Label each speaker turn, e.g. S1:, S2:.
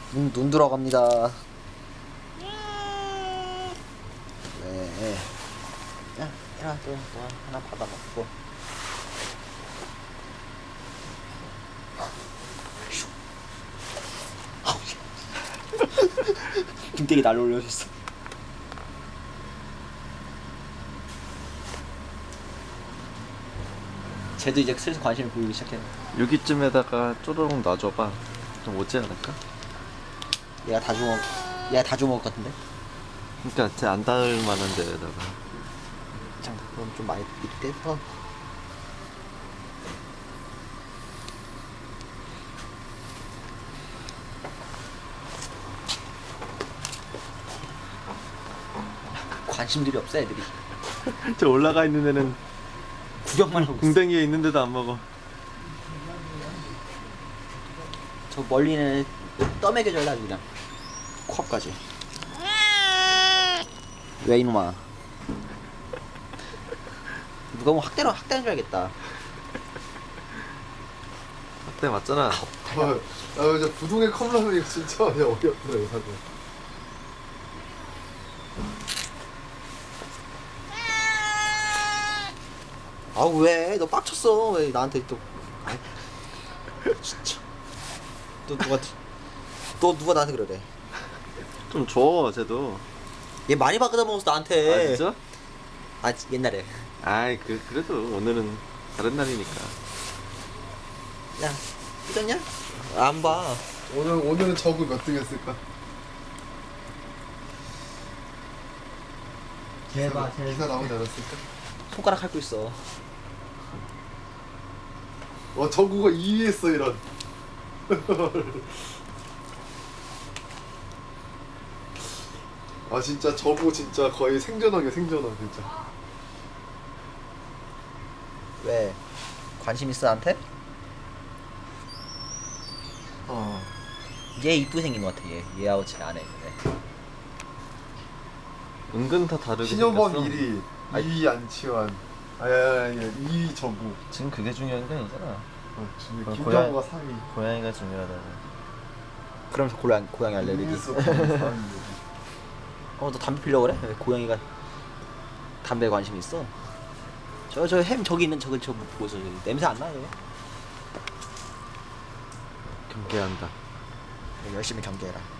S1: 눈 들어갑니다. 네. 야, 또 하나 받아 먹고. 등대기 날려 올려줬어. 쟤도 이제 슬슬 관심을 보이기 시작했네.
S2: 여기쯤에다가 쪼르륵 놔줘봐. 좀 오지 않을까?
S1: 얘가 다 주먹 같은데?
S2: 그러니까 쟤 안 닿을 만한 데에다가.
S1: 잠깐 그럼 좀 많이 밑에서. 관심들이 없어 애들이.
S2: 저 올라가 있는 애는
S1: 구경만 하고 있어.
S2: 궁뎅이에 있는데도 안 먹어.
S1: 저 멀리는 떠먹여줘야 아주 그냥 코앞까지. 왜 이놈아? 누가 뭐 학대는 줄 알겠다.
S2: 학대 맞잖아.
S3: 진짜 부동의 컵라면이 진짜 어이없더라 이거 사실.
S1: 아우 왜? 너 빡쳤어. 왜 나한테 또? 아이, 진짜. 또 누가 나한테 그러래?
S2: 좀 줘, 쟤도.
S1: 얘 많이 바꿔다 먹었어 나한테.
S2: 아 진짜?
S1: 아 옛날에.
S2: 아이 그래도 오늘은 다른 날이니까.
S1: 야 삐졌냐? 안 봐.
S3: 오늘은 저구 몇 등 했을까? 기사 나오지 않았을까?
S1: 손가락 핥고 있어.
S3: 와 저구가 2위 했어 이런. 아 진짜 저구 진짜 거의 생존왕이야 생존왕 진짜.
S1: 왜? 관심 있어 나한테? 얘 이쁘게 생긴 것 같아. 얘하고 제 안에 있는 애.
S2: 은근 다 다르게
S3: 신효범
S2: 생겼어.
S3: 1위, 2위 안치환, 아야 2위 저구.
S2: 지금 그게 중요한 게 아니잖아.
S3: 김정우가 3위.
S2: 고양이가 중요하다고.
S1: 그러면서 고양이 알레르기.
S3: 이민수 4위.
S1: 너 담배 피려고 그래? 왜 고양이가 담배에 관심이 있어? 저 햄 저기 있는 저거 보고서 냄새 안 나요?
S2: 경계한다.
S1: 열심히 경계해라.